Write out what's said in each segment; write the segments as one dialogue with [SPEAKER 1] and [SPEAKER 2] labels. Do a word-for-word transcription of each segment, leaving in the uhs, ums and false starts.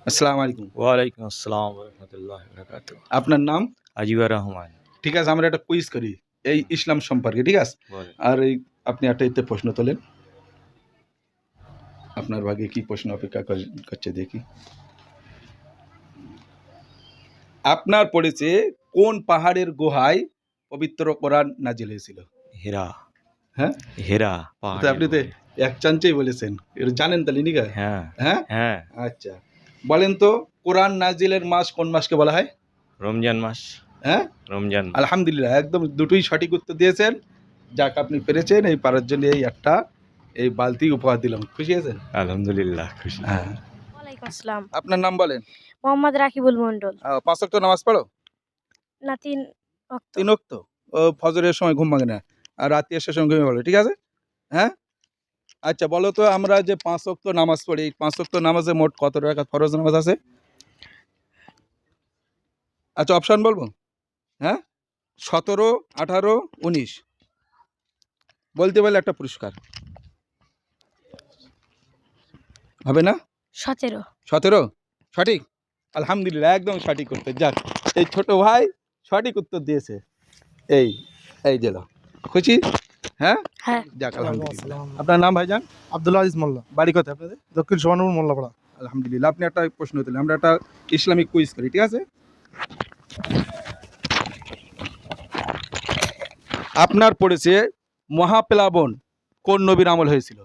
[SPEAKER 1] আসসালামু আলাইকুম।
[SPEAKER 2] ওয়ালাইকুম আসসালাম ওয়া রাহমাতুল্লাহি ওয়া বারাকাতুহু।
[SPEAKER 1] আপনার নাম?
[SPEAKER 2] আজিবুর রহমান।
[SPEAKER 1] ঠিক আছে, আমরা একটা কুইজ করি এই ইসলাম সম্পর্কে, ঠিক আছে?
[SPEAKER 2] বলেন।
[SPEAKER 1] আর এই আপনি একটা এতে প্রশ্ন তোলেন। আপনার ভাগে কি প্রশ্ন অপেক্ষা কর- করছে দেখি। আপনার পড়েছে কোন পাহাড়ের গুহায় পবিত্র কোরআন নাজিল হয়েছিল?
[SPEAKER 2] হীরা।
[SPEAKER 1] হ্যাঁ,
[SPEAKER 2] হীরা
[SPEAKER 1] তো
[SPEAKER 2] পাহাড়ের
[SPEAKER 1] আপনি তো
[SPEAKER 2] গুহায়।
[SPEAKER 1] এক চান্সেই বলেছেন, এটা জানেন তাহলে নিকা?
[SPEAKER 2] হ্যাঁ
[SPEAKER 1] হ্যাঁ,
[SPEAKER 2] হ্যাঁ।
[SPEAKER 1] আচ্ছা বলেন তো, কোরআন নাজিলের মাস কোন মাসকে বলা হয়?
[SPEAKER 2] রমজান মাস।
[SPEAKER 1] হ্যাঁ,
[SPEAKER 2] রমজান মাস।
[SPEAKER 1] আলহামদুলিল্লাহ, একদম দুটোই সঠিক উত্তর দিয়েছেন। যাক, আপনি পেরেছেন। এই পারার জন্য এই একটা এই বালতি উপহার দিলাম, খুশি আছেন?
[SPEAKER 2] আলহামদুলিল্লাহ খুশি।
[SPEAKER 1] হ্যাঁ।
[SPEAKER 3] ওয়ালাইকুম আসসালাম।
[SPEAKER 1] আপনার নাম বলেন।
[SPEAKER 3] মোহাম্মদ রাকিবুল মন্ডল।
[SPEAKER 1] আহ, পাঁচ ওয়াক্ত নামাজ পড়ো?
[SPEAKER 3] না, তিন ওয়াক্ত।
[SPEAKER 1] তিন ওয়াক্ত? ও, ফজরের সময় ঘুম ভাঙে না আর রাতে এসে সময় ঘুমিয়ে পড়ো, ঠিক আছে? হ্যাঁ, আচ্ছা বলো তো, আমরা যে পাঁচ ওয়াক্ত নামাজ পড়ি, এই পাঁচ ওয়াক্ত নামাজে মোট কত রাকাত ফরজ নামাজ আছে? আচ্ছা, অপশন বলবো? হ্যাঁ, সতেরো, আঠারো, উনিশ। বলতে পারলে একটা পুরস্কার হবে না?
[SPEAKER 3] সতেরো।
[SPEAKER 1] সতেরো সঠিক? আলহামদুলিল্লাহ, একদম সঠিক উত্তর। যাক, এই ছোট ভাই সঠিক উত্তর দিয়েছে। এই এই জেলা খুশি? হ্যাঁ,
[SPEAKER 3] হ্যাঁ।
[SPEAKER 1] যাক আলহামদুলিল্লাহ। আপনার নাম ভাইজান?
[SPEAKER 4] আব্দুল আজিজ মোল্লা,
[SPEAKER 1] বাড়ি কোথায় আপনাদের?
[SPEAKER 4] দক্ষিণ সোহানুর মোল্লাপাড়া।
[SPEAKER 1] আলহামদুলিল্লাহ, আপনি একটা প্রশ্ন দিলেন, আমরা একটা ইসলামিক কুইজ করি, ঠিক আছে? আপনার পড়েছে মহাপ্লাবন কোন নবীর আমল হয়েছিল?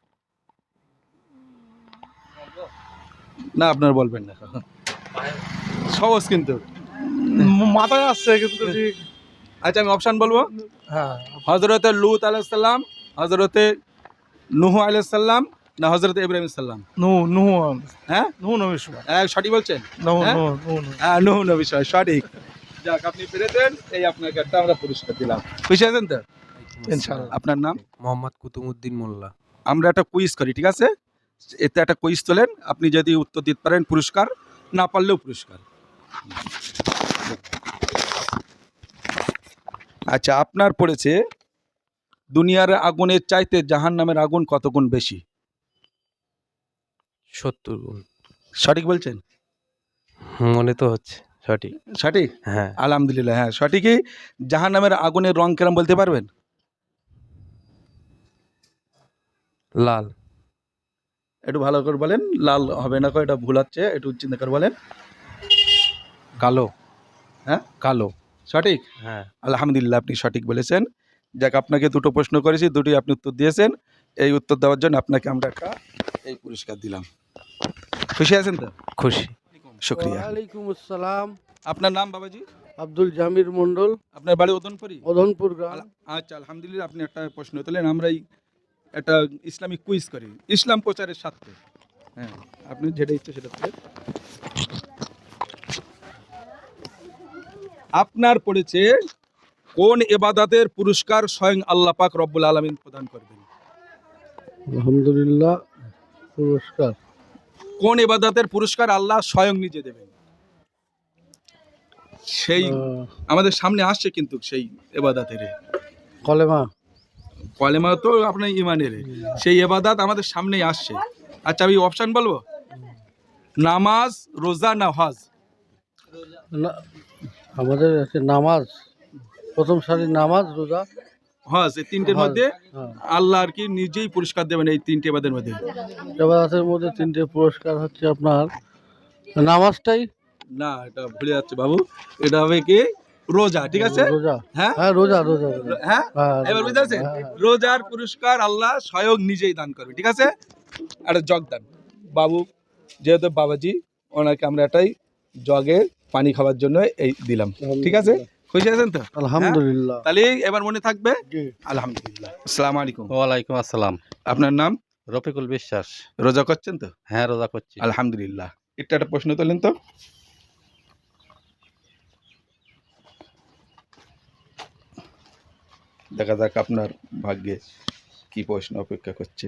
[SPEAKER 1] না, আপনার বলবেন না, সহজ কিন্তু।
[SPEAKER 4] মাথায় আসছে কিন্তু ঠিক।
[SPEAKER 1] আচ্ছা, আমি অপশন বলবো।
[SPEAKER 4] হ্যাঁ,
[SPEAKER 1] হজরতে লুত আলাইসাল্লাম, হজরতে নুহ আলাইসাল্লাম, না হজরতে ইব্রাহিম সাল্লাম?
[SPEAKER 4] নু নু
[SPEAKER 1] হ্যাঁ,
[SPEAKER 4] নু নবীর সময়।
[SPEAKER 1] হ্যাঁ, সঠিক বলছেন?
[SPEAKER 4] নু
[SPEAKER 1] হ্যাঁ?
[SPEAKER 4] নু নু নু।
[SPEAKER 1] হ্যাঁ, নুহ নবী সময়, সঠিক। যাক, আপনি পেরেছেন। এই আপনাকে একটা আমরা পুরস্কার দিলাম, খুশি আছেন তো?
[SPEAKER 4] ইনশাআল্লাহ।
[SPEAKER 1] আপনার নাম?
[SPEAKER 5] মোহাম্মদ কুতুমউদ্দিন মোল্লা।
[SPEAKER 1] আমরা একটা কুইজ করি, ঠিক আছে? এতে একটা কুইজ তোলেন, আপনি যদি উত্তর দিতে পারেন পুরস্কার, না পারলেও পুরস্কার। আচ্ছা, আপনার পড়েছে দুনিয়ার আগুনের চাইতে জাহান্নামের আগুন কত গুণ বেশি?
[SPEAKER 5] সত্তর গুণ।
[SPEAKER 1] সঠিক বলছেন?
[SPEAKER 5] মনে তো হচ্ছে সঠিক।
[SPEAKER 1] সঠিক?
[SPEAKER 5] হ্যাঁ,
[SPEAKER 1] আলহামদুলিল্লাহ, হ্যাঁ সঠিকই। জাহান্নামের আগুনের রং কেরম বলতে পারবেন?
[SPEAKER 5] লাল।
[SPEAKER 1] একটু ভালো করে বলেন। লাল হবে না, এটা ভুল হচ্ছে, একটু চিন্তা করে বলেন।
[SPEAKER 5] কালো।
[SPEAKER 1] হ্যাঁ,
[SPEAKER 5] কালো।
[SPEAKER 1] সঠিক?
[SPEAKER 5] হ্যাঁ।
[SPEAKER 1] আলহামদুলিল্লাহ, আপনি সঠিক বলেছেন। যাক, আপনাকে দুটো প্রশ্ন করেছি, দুটোই আপনি উত্তর দিয়েছেন। এই উত্তর দেওয়ার জন্য আপনাকে আমরা একটা এই পুরস্কার দিলাম, খুশি আছেন তো?
[SPEAKER 5] খুশি।
[SPEAKER 1] শুক্রিয়া।
[SPEAKER 6] ওয়ালাইকুম আসসালাম।
[SPEAKER 1] আপনার নাম বাবাজি?
[SPEAKER 6] আব্দুল জামির মন্ডল,
[SPEAKER 1] আপনার বাড়ি ওদনপুরি?
[SPEAKER 6] ওধনপুর গ্রাম।
[SPEAKER 1] আল- আচ্ছা, আলহামদুলিল্লাহ, আপনি একটা প্রশ্ন তোলেন। আমরাই একটা ইসলামিক কুইজ করি ইসলাম প্রচারের স্বার্থে। হ্যাঁ, আপনি যেটা ইচ্ছে সেটা তোলেন। আপনার পড়েছে কোন ইবাদতের পুরস্কার স্বয়ং আল্লাহ পাক রব্বুল আলামিন প্রদান করবেন?
[SPEAKER 6] আলহামদুলিল্লাহ, পুরস্কার
[SPEAKER 1] কোন ইবাদতের পুরস্কার আল্লাহ স্বয়ং নিজে দেবেন? সেই
[SPEAKER 6] আহ,
[SPEAKER 1] আমাদের সামনে আসছে কিন্তু সেই ইবাদতের
[SPEAKER 6] কলেমা।
[SPEAKER 1] কলেমা তো আপনার ইমানের, সেই ইবাদত আমাদের সামনেই আসছে। আচ্ছা, আমি অপশন বলবো? নামাজ, রোজা, না হজ?
[SPEAKER 6] না, আমাদের আছে নামাজ, প্রথম সারির নামাজ, রোজা,
[SPEAKER 1] হজ। এই তিনটের
[SPEAKER 6] হজ।
[SPEAKER 1] মধ্যে
[SPEAKER 6] হ্যাঁ,
[SPEAKER 1] আল্লাহ আর কি নিজেই পুরস্কার দেবেন এই তিনটে ইবাদতের মধ্যে।
[SPEAKER 6] ইবাদতের মধ্যে তিনটে পুরস্কার হচ্ছে আপনার নামাজটাই।
[SPEAKER 1] না, এটা ভুলে যাচ্ছে বাবু, এটা হবে কি রোজা, ঠিক আছে?
[SPEAKER 6] রোজা।
[SPEAKER 1] হ্যাঁ
[SPEAKER 6] হ্যাঁ, রোজা রোজা রোজা।
[SPEAKER 1] হ্যাঁ,
[SPEAKER 6] হ্যাঁ,
[SPEAKER 1] এবার বুঝতে পারছেন?
[SPEAKER 6] হ্যাঁ, হ্যাঁ।
[SPEAKER 1] রোজার পুরস্কার আল্লাহ স্বয়ং নিজেই দান করবে, ঠিক আছে? একটা জগ দান বাবু, যেহেতু বাবাজি, ওনাকে আমরা এটাই জগে পানি খাওয়ার জন্য এই দিলাম, ঠিক আছে? খুশি আছেন তো?
[SPEAKER 6] আলহামদুলিল্লাহ।
[SPEAKER 1] তাহলে এবার মনে থাকবে।
[SPEAKER 6] জি।
[SPEAKER 1] আলহামদুলিল্লাহ। আসসালামু আলাইকুম।
[SPEAKER 5] ওয়ালাইকুম আসসালাম।
[SPEAKER 1] আপনার নাম?
[SPEAKER 5] রফিকুল বিশ্বাস।
[SPEAKER 1] রোজা করছেন তো?
[SPEAKER 5] হ্যাঁ, রোজা করছি।
[SPEAKER 1] আলহামদুলিল্লাহ। এটা একটা প্রশ্ন তোলেন তো। দেখা যাক আপনার ভাগ্যে কি প্রশ্ন অপেক্ষা করছে।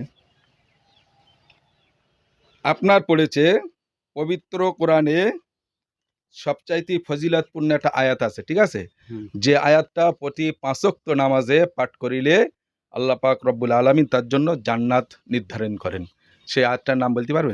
[SPEAKER 1] আপনার পড়েছে পবিত্র কোরআনে সবচাইতে ফজিলতপূর্ণ একটা আয়াত আছে, ঠিক আছে?
[SPEAKER 5] হুম।
[SPEAKER 1] যে আয়াতটা প্রতি পাঁচ ওয়াক্ত নামাজে পাঠ করিলে আল্লাহ পাক রব্বুল আলামিন তার জন্য জান্নাত নির্ধারণ করেন, সেই আয়াতটার নাম বলতে পারবেন?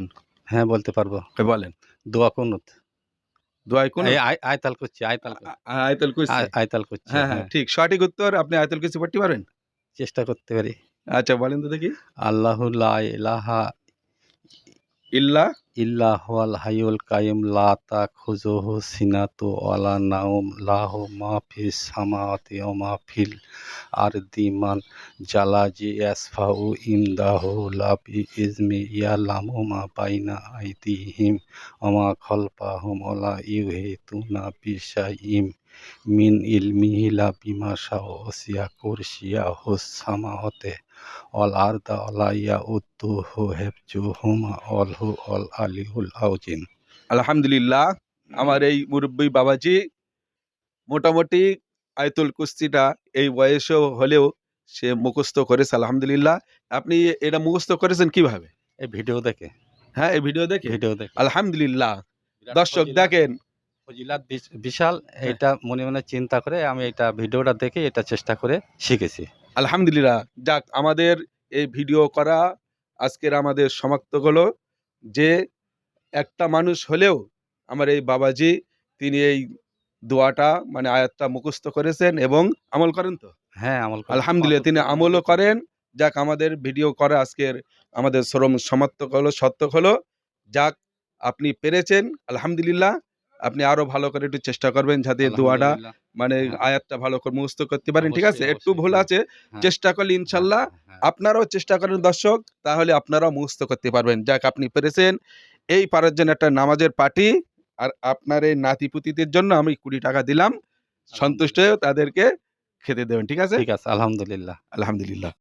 [SPEAKER 5] হ্যাঁ বলতে পারবো।
[SPEAKER 1] এ বলেন।
[SPEAKER 5] দোয়া কুনুত।
[SPEAKER 1] দোয়ায় কোন
[SPEAKER 5] এই আয়- আয়তাল করছি আয়তাল করছি,
[SPEAKER 1] আয়াতুল কুরসি।
[SPEAKER 5] আয়- আয়তাল করছি
[SPEAKER 1] হ্যাঁ হ্যাঁ
[SPEAKER 5] হ্যাঁ,
[SPEAKER 1] ঠিক সঠিক উত্তর। আপনি আয়াতুল কুরসি পড়তে পারেন?
[SPEAKER 5] চেষ্টা করতে পারি।
[SPEAKER 1] আচ্ছা বলেন তো দেখি।
[SPEAKER 5] আল্লাহু লা ইলাহা
[SPEAKER 1] ইল্লা
[SPEAKER 5] ইল্লা হুয়াল হাইয়ুল কাইয়ুম লা তাখুযুহু সিনাতু ওয়ালা নাওম লাহু মা ফিস সামাওয়াতি ওয়া মা ফিল আরদি মান জালাজি ইয়াসফাউ ইমদাহু লা বিইজমি ইয়ালামু মা বাইনা আইদিহিম ওয়া মা খালফাহুম ওয়া লা ইউহিতুনা বিশাইইম মিন ইলমিহি ইল্লা বিমা শাআ ওয়াসি'a কুরসিয়াহুস সামাওয়াতি ওয়াল আরদা ওয়ালা ইয়াউদ্দুহু হিফযুহুমা ওয়াল হুয়াল আলিয়্যুল আযীম।
[SPEAKER 1] আলহামদুলিল্লাহ, আমার এই মুরব্বী বাবাজি মোটামুটি আয়াতুল কুরসিটা এই বয়সেও হলেও সে মুখস্থ করেছে আলহামদুলিল্লাহ। আপনি এটা মুখস্থ করেছেন কিভাবে?
[SPEAKER 5] এই ভিডিও দেখে
[SPEAKER 1] হ্যাঁ এই ভিডিও দেখে।
[SPEAKER 5] ভিডিও দেখে
[SPEAKER 1] আলহামদুলিল্লাহ
[SPEAKER 5] বিরাট
[SPEAKER 1] দর্শক
[SPEAKER 5] ফজিলাত-
[SPEAKER 1] দেখেন।
[SPEAKER 5] ফজিলাত বিশ- বিশাল। এটা মনে মনে চিন্তা করে আমি এটা ভিডিওটা দেখে এটা চেষ্টা করে শিখেছি।
[SPEAKER 1] আলহামদুলিল্লাহ, যাক আমাদের এই ভিডিও করা আজকের আমাদের সমাপ্ত হলো যে একটা মানুষ হলেও আমার এই বাবাজি তিনি এই দোয়াটা মানে আয়াতটা মুখস্থ করেছেন এবং আমল করেন তো
[SPEAKER 5] হ্যাঁ আমল করি।
[SPEAKER 1] আলহামদুলিল্লাহ তিনি আমলও করেন। যাক আমাদের ভিডিও করা আজকের আমাদের শ্রম সমাপ্তক হলো সত্যক হলো। যাক আপনি পেরেছেন আলহামদুলিল্লাহ। আপনি আরো ভালো করে একটু চেষ্টা করবেন যাতে দোয়াটা
[SPEAKER 5] আলহামদুলিল্লাহ।
[SPEAKER 1] মানে
[SPEAKER 5] হ্যাঁ।
[SPEAKER 1] আয়াতটা ভালো করে মুখস্থ করতে পারেন, ঠিক আছে?
[SPEAKER 5] অবশ্যই,
[SPEAKER 1] একটু
[SPEAKER 5] অবশ্যই,
[SPEAKER 1] ভুল
[SPEAKER 5] হ্যাঁ।
[SPEAKER 1] আছে,
[SPEAKER 5] হ্যাঁ।
[SPEAKER 1] চেষ্টা করলে ইনশাল্লাহ
[SPEAKER 5] হ্যাঁ,
[SPEAKER 1] আপনারাও চেষ্টা করেন দর্শক, তাহলে আপনারাও মুখস্থ করতে পারবেন। যাক আপনি পেরেছেন। এই পারার জন্য একটা নামাজের পার্টি আর আপনার এই নাতিপুতিদের জন্য আমি কুড়ি টাকা দিলাম, সন্তুষ্ট হয়ে তাদেরকে খেতে দেবেন, ঠিক আছে?
[SPEAKER 5] ঠিক আছে আলহামদুলিল্লাহ।
[SPEAKER 1] আলহামদুলিল্লাহ।